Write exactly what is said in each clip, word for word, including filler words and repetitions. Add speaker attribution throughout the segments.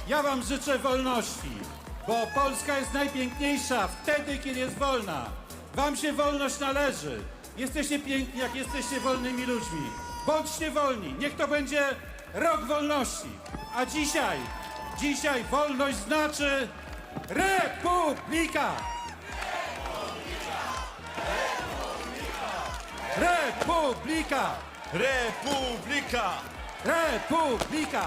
Speaker 1: Ja wam życzę wolności, bo Polska jest najpiękniejsza wtedy, kiedy jest wolna. Wam się wolność należy. Jesteście piękni, jak jesteście wolnymi ludźmi. Bądźcie wolni, niech to będzie rok wolności. A dzisiaj, dzisiaj wolność znaczy Republika! Republika!
Speaker 2: Republika!
Speaker 1: Republika!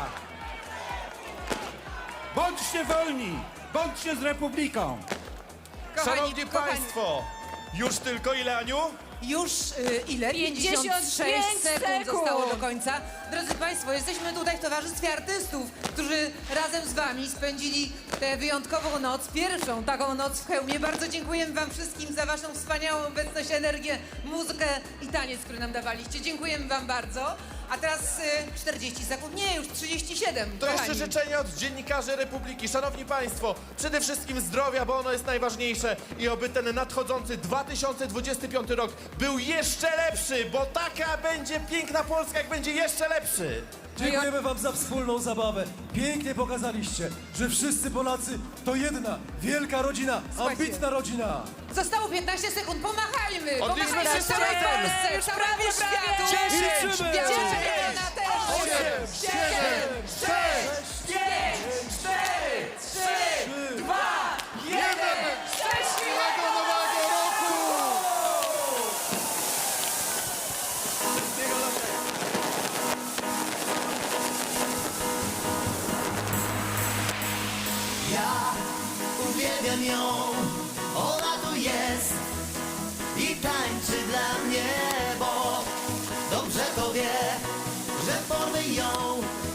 Speaker 1: Bądźcie wolni! Bądźcie z Republiką!
Speaker 3: Kochani,
Speaker 2: Szanowni
Speaker 3: kochani,
Speaker 2: Państwo, już tylko ile, Aniu?
Speaker 3: Już y, ile?
Speaker 4: pięćdziesiąt
Speaker 3: pięćdziesiąt sześć
Speaker 4: pięć
Speaker 3: sekund
Speaker 4: sekund
Speaker 3: zostało do końca. Drodzy Państwo, jesteśmy tutaj w towarzystwie artystów, którzy razem z Wami spędzili tę wyjątkową noc, pierwszą taką noc w Chełmie. Bardzo dziękujemy Wam wszystkim za Waszą wspaniałą obecność, energię, muzykę i taniec, który nam dawaliście. Dziękujemy Wam bardzo. A teraz y, czterdzieści sekund, nie, już trzydzieści siedem.
Speaker 2: To jeszcze
Speaker 3: kochani.
Speaker 2: życzenia od dziennikarzy Republiki. Szanowni Państwo, przede wszystkim zdrowia, bo ono jest najważniejsze i oby ten nadchodzący dwa tysiące dwudziesty piąty rok był jeszcze lepszy, bo taka będzie piękna Polska, jak będzie jeszcze lepszy.
Speaker 5: Dziękujemy wam za wspólną zabawę. Pięknie pokazaliście, że wszyscy Polacy to jedna wielka rodzina,
Speaker 3: Słuchajcie.
Speaker 5: ambitna rodzina.
Speaker 3: Zostało piętnaście sekund, pomachajmy!
Speaker 2: Odliczmy
Speaker 3: Pomachajmy
Speaker 2: wszyscy
Speaker 3: całej
Speaker 2: razem.
Speaker 3: Polsce,
Speaker 4: Już
Speaker 3: całemu
Speaker 4: prawie,
Speaker 3: światu!
Speaker 4: prawie.
Speaker 2: dziesięć,
Speaker 5: Liczymy.
Speaker 3: Dziesięć, ona też!
Speaker 2: osiem, siedem, sześć,
Speaker 3: pięć, cztery, trzy, dwa,
Speaker 2: jeden! Szczęśliwego nowego roku!
Speaker 6: Ja uwielbiam ją, ona tu jest i tańczy dla mnie, bo dobrze to wie, że porwę ją